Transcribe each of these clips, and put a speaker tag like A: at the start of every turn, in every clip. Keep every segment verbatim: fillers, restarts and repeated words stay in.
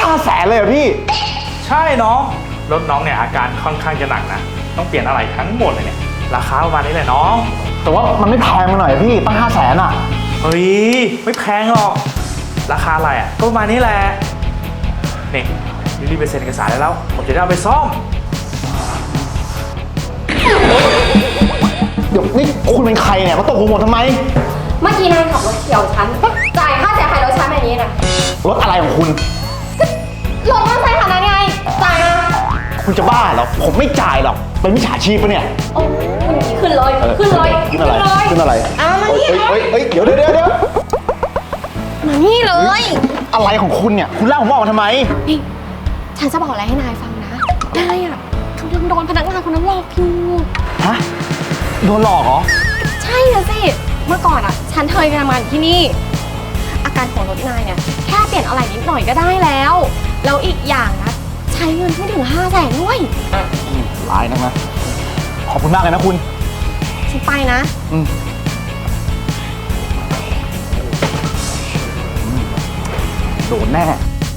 A: าแสนเลยเหรอพี่
B: ใช่น้องรถน้องเนี่ยอาการค่อนข้างจะหนักนะต้องเปลี่ยนอะไรทั้งหมดเลยเนี่ยราคาประมาณนี้แหละน้อง
A: แต่ว่ามันไม่แพงมาหน่อยพี่ตั้งห้าแสนอ่ะ
B: เฮ้ยไม่แพงหรอกราคาอะไรอ่ะก็ประมาณนี้แหละนี่รีบไปเซ็นเอกสารได้แล้วผมจะได้เอาไปซ่อม
A: เดี๋ยวนี่คุณเป็นใครเนี่ยมาตกหัวหมดทำไม
C: เมื่อกี้นายขับรถเฉี่ยวฉันจ่ายค่าเสียหายรถฉันแบบนี้นะ
A: รถอะไรของคุณ
C: รถมอเตอร์ไซค์คันนั้นไงจ่ายมา
A: คุณจะบ้าเหรอผมไม่จ่ายหรอกเป็นมิจฉาชีพปะเนี่ย
C: โอ้คุณขึ้นเลยขึ้นเลย
A: ขึ้นอะไรขึ้นอะไร
C: เอามานี่
A: เฮ้ยเฮ้ยเดี๋ยวเดี๋ยวเดี๋ยวเดี๋ยว
C: มานี่เลย
A: อะไรของคุณเนี่ยคุณเล่าผมว่าทำไม
C: นี่ฉันจะบอกอะไรให้นายฟังนะนายอ่ะกำลังโดนพนักงานคนนั้นหลอกอยู่
A: ฮะโดนหลอกเหรอ
C: ใช่นะสิเมื่อก่อนอ่ะฉันเคยทำงานที่นี่อาการของรถนายเนี่ยแค่เปลี่ยนอะไรนิดหน่อยก็ได้แล้วแล้วอีกอย่างนะใช้เงินไม่ถึงห้าแสนด้วย
A: ร้ายนักนะขอบคุณมากเลยนะคุณ
C: ฉันไปนะ
A: อืมโดนแน่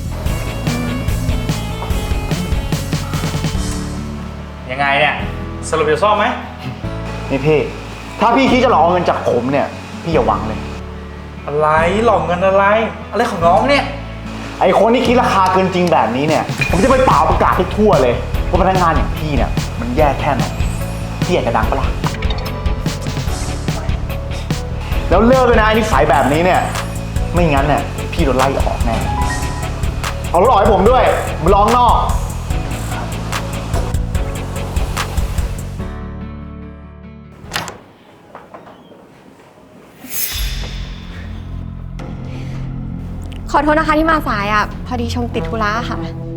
B: ยังไงเนี่ยสรุปจะซ่อมไหม
A: นี่พี่ถ้าพี่คิดจะหลอกเงินจากผมเนี่ยพี่อย่าหวังเลย
B: อะไรหลอกเงินอะไรอะไรของน้องเนี่ย
A: ไอคนที่คิดราคาเกินจริงแบบนี้เนี่ยผมจะไปเป่าประกาศให้ทั่วเลยว่าพนักงานอย่างพี่เนี่ยมันแย่แค่ไหนพี่อยากจะดังปะล่ะแล้วเลิกเลยนะนิสัยแบบนี้เนี่ยไม่งั้นเนี่ยพี่โดนไล่ออกแน่เอารถออกให้ผมด้วยมาลองนอก
C: ขอโทษนะคะที่มาสายอ่ะพอดีชมติดธุระค่ะ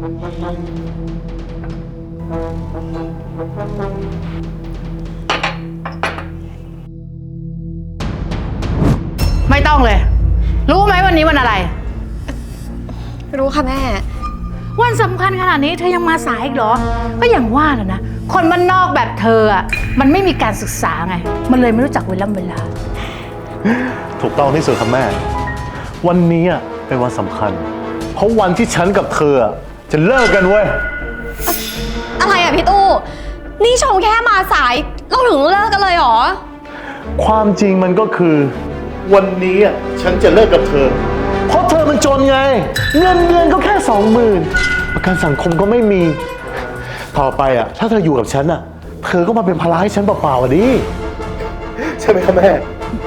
D: ไม่ต้องเลยรู้ไหมวันนี้วันอะไร
C: รู้ค่ะแม่
D: วันสำคัญขนาดนี้เธอยังมาสายอีกเหรอก็อย่างว่าแหละนะคนบ้านนอกแบบเธออ่ะมันไม่มีการศึกษาไงมันเลยไม่รู้จักเวลาเวลา
E: ถูกต้องที่สุดครับแม่วันนี้อ่ะเป็นวันสำคัญเพราะวันที่ฉันกับเธอจะเลิกกันเว้ย
C: อะไรอ่ะพี่ตู้นี่ชมแค่มาสายเราถึงเลิกกันเลยเหรอ
E: ความจริงมันก็คือวันนี้อ่ะฉันจะเลิกกับเธอเพราะเธอมันจนไงเงินเดือนก็แค่สองหมื่นประกันสังคมก็ไม่มีต่อไปอ่ะถ้าเธออยู่กับฉันอ่ะเธอก็มาเป็นภาระให้ฉันเปล่าๆอ่ะดิใช่ไหมครับแม่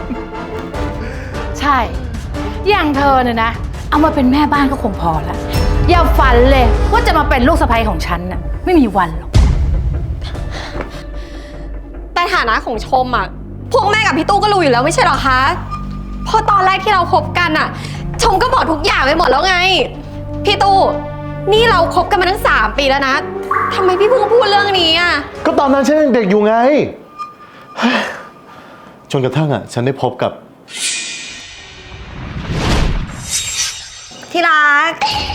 D: ใช่อย่างเธอเนี่ยนะเอามาเป็นแม่บ้านก็คงพอละอย่าฝันเลยว่าจะมาเป็นลูกสะใภ้ของฉันน่ะไม่มีวันหรอก
C: แต่ฐานะของชมอ่ะพวกแม่กับพี่ตู้ก็รู้อยู่แล้วไม่ใช่หรอคะพอตอนแรกที่เราคบกันอ่ะชมก็บอกทุกอย่างไปหมดแล้วไงพี่ตู้นี่เราคบกันมาตั้งสามปีแล้วนะทำไมพี่เพิ่งพูดเรื่องนี้อ่ะ
E: ก็ตอนนั้นฉันยังเด็กอยู่ไงจนกระทั่งอ่ะฉันได้พบกับ
C: ที่รัก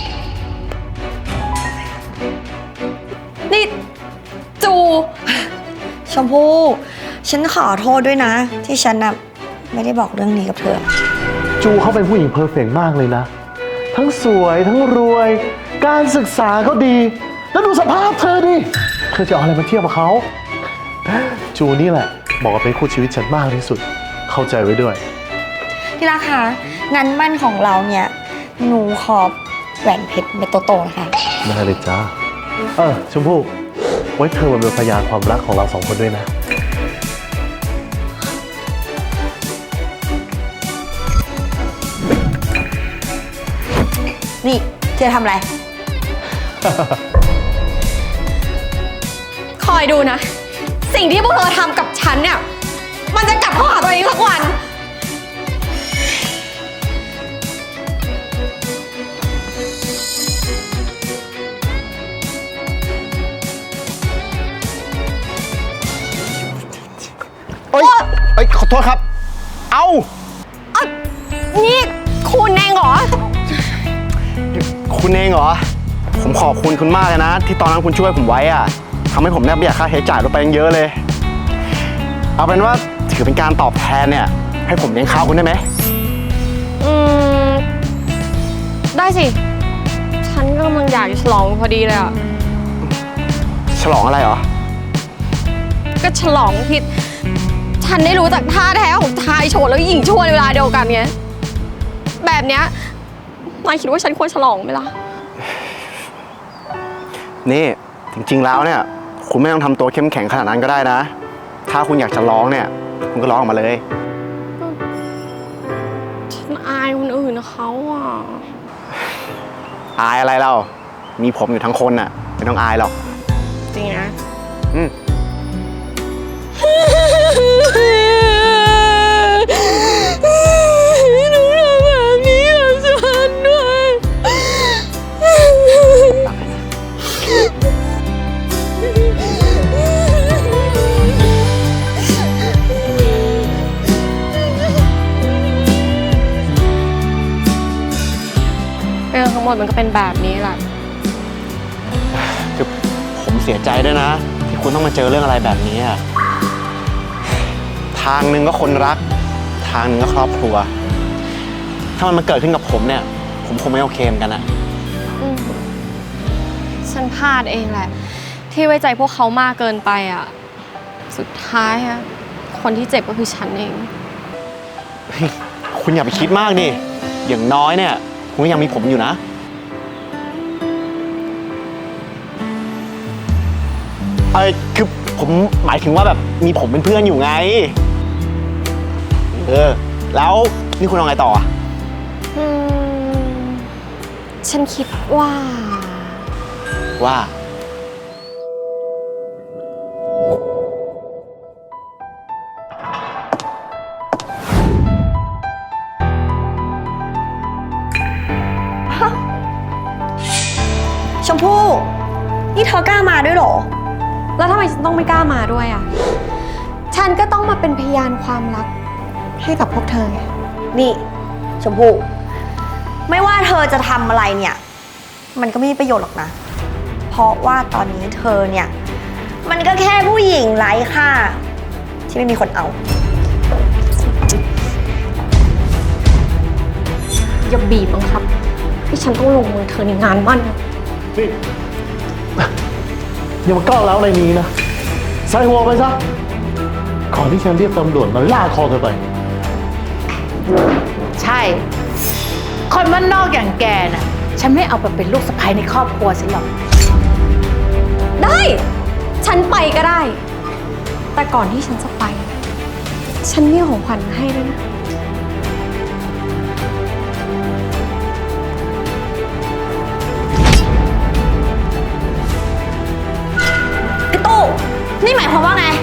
C: นี่จู
F: ชมพู่ฉันขอโทษด้วยนะที่ฉันน่ะไม่ได้บอกเรื่องนี้กับเธอ
E: จูเขาเป็นผู้หญิงเพอร์เฟกต์มากเลยนะทั้งสวยทั้งรวยการศึกษาก็ดีแล้วดูสภาพเธอดิเธอจะเอาอะไรมาเทียบกับเขาจูนี่แหละบอกว่าเป็นคู่ชีวิตฉันมากที่สุดเข้าใจไว้ด้วย
F: ที่รักคะงานมั่นของเราเนี่ยหนูขอแหวนเพชรเม็ดโตๆนะคะ
E: ได้เลยจ้าเออชมพู่ไว้เธอมาเป็นพยานความรักของเราสองคนด้วยนะ
F: นี่เธอทำอะไร
C: คอยดูนะสิ่งที่พวกเธอทำกับฉันเนี่ยมันจะกลับเข้าหาตัวเองสักวัน
A: เอ้ยเอ้ยขอโทษครับเอ้า
C: อ่ะนี่คุณเองเหรอ
A: คุณเองเหรอผมขอบคุณคุณมากเลยนะที่ตอนนั้นคุณช่วยผมไว้อะทำให้ผมเนี่ยประหยัดค่าใช้จ่ายลดไปเยอะเลยเอาเป็นว่าถือเป็นการตอบแทนเนี่ยให้ผมเลี้ยงข้าวคุณได้ไหม
C: อืมได้สิฉฉันก็กำลังอยากจะฉลองพอดีเลยอ่ะ
A: ฉลองอะไรเหรอ
C: ก็ฉลองที่ฉันได้รู้จักท่าแท้ของชายโฉดแล้วก็หญิงชั่วในเวลาเดียวกันไงแบบเนี้ยนายคิดว่าฉันควรฉลองไหมล่ะ
A: นี่จริงๆแล้วเนี่ย คุณไม่ต้องทำตัวเข้มแข็งขนาดนั้นก็ได้นะ ถ้าคุณอยากจะร้องเนี่ย คุณก็ร้องออกมาเลย
C: ฉันอายคนอื่นนะเขาอ่ะ
A: อายอะไรเรา มีผมอยู่ทั้งคนน่ะ ไม่ต้องอายหรอก
C: จริงนะ
A: อืม
C: หนูทำแบบนี้กับฉันด้วย เรื่องทั้งหมดมันก็เป็นแบบนี้แหละ
A: คือผมเสียใจด้วยนะ ที่คุณต้องมาเจอเรื่องอะไรแบบนี้อะทางหนึ่งก็คนรัก ทางหนึ่งก็ครอบครัว ถ้ามันมาเกิดขึ้นกับผมเนี่ย ผมคงไม่โอเคเหมือนกันนะ
C: อืมฉันพลาดเองแหละ ที่ไว้ใจพวกเขามากเกินไปอ่ะ สุดท้ายอะคนที่เจ็บก็คือฉันเอง
A: คุณอย่าไปคิดมากดิ อย่างน้อยเนี่ย คุณก็ยังมีผมอยู่นะ เออคือผมหมายถึงว่าแบบมีผมเป็นเพื่อนอยู่ไง เออ แล้วนี่คุณเอาไงต่ออะ
C: อืม ฉันคิดว่า
A: ว่า
F: ชมพู่ นี่เธอกล้ามาด้วยเหรอ
C: แล้วทำไมฉันต้องไม่กล้ามาด้วยอ่ะ ฉันก็ต้องมาเป็นพยานความรักให้กับพวกเธอไง
F: นี่ ชมพู่ ไม่ว่าเธอจะทำอะไรเนี่ย มันก็ไม่มีประโยชน์หรอกนะ เพราะว่าตอนนี้เธอเนี่ย มันก็แค่ผู้หญิงไร้ค่าที่ไม่มีคนเอา
C: อย่าบีบบังคับที่ฉันต้องลงมือเธอในงานมั่นนะ
E: นี่อย่ามาก้าวร้าวอะไรนี้นะ ใส่หัวไปซะ ก่อนที่ฉันเรียกตำรวจมาล่าคอเธอไป
D: ใช่ คนบ้านนอกอย่างแกน่ะ ฉันไม่เอาไปเป็นลูกสะใภ้ในครอบครัวฉันหรอก
C: ได้ ฉันไปก็ได้ แต่ก่อนที่ฉันจะไป ฉันมีของขวัญมาให้ด้วยนะ
F: พี่ตู้ นี่หมายความว่าไง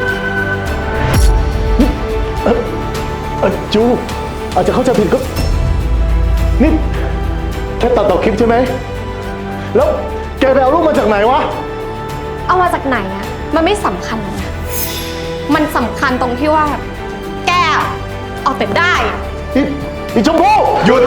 E: เออเออจู อาจจะเข้าใจผิดก็ นี่แค่ตัดต่อคลิปใช่ไหม แล้วแกไปเอารูปมาจากไหนวะ
C: เอามาจากไหนอะมันไม่สำคัญหรอกนะ มันสำคัญตรงที่ว่า แกเอาแต่ได้
E: นี่นี่ชมพู่หยุด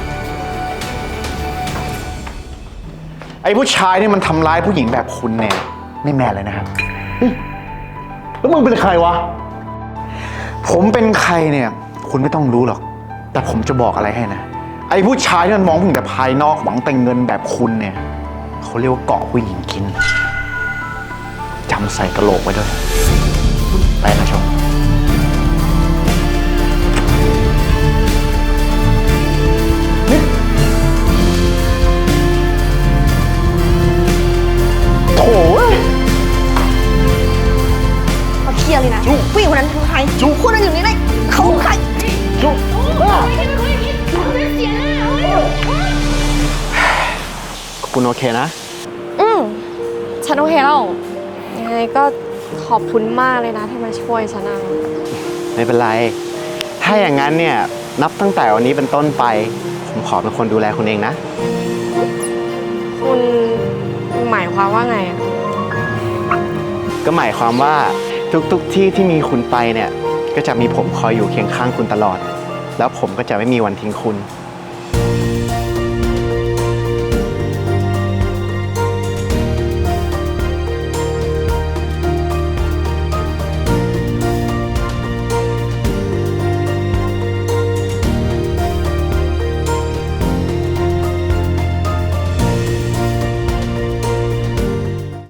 A: ไอ้ผู้ชายนี่มันทำร้ายผู้หญิงแบบคุณเนี่ยไม่แมนเลยนะครับ
E: แล้วมึงเป็นใครวะ
A: ผมเป็นใครเนี่ย คุณไม่ต้องรู้หรอก แต่ผมจะบอกอะไรให้นะ ไอ้ผู้ชายที่มันมองผู้หญิงแต่ภายนอกหวังแต่เงินแบบคุณเนี่ยเขาเรียกว่าเกาะผู้หญิงกินจำใส่กระโหลกไว้ด้วย ไปนะชม
E: โถ่เว้ย
F: เขาเคลียร์เลยนะผู้หญิงคนนั้นคือใคร
E: จุ๊บ
F: คุณนั่งอยู่นี่เลยเขาคือใคร
E: จุ๊บบ้า
A: คุณโอเคนะ
C: อืมฉันโอเคแล้วยังไงก็ขอบคุณมากเลยนะที่มาช่วยฉันอะ
A: ไม่เป็นไร ถ้าอย่างนั้นเนี่ย นับตั้งแต่วันนี้เป็นต้นไป ผมขอเป็นคนดูแลคุณเองนะ
C: คุณหมายความว่าไงอะ
A: ก็หมายความว่าทุกๆที่ที่มีคุณไปเนี่ย ก็จะมีผมคอยอยู่เคียงข้างคุณตลอด แล้วผมก็จะไม่มีวันทิ้งคุณ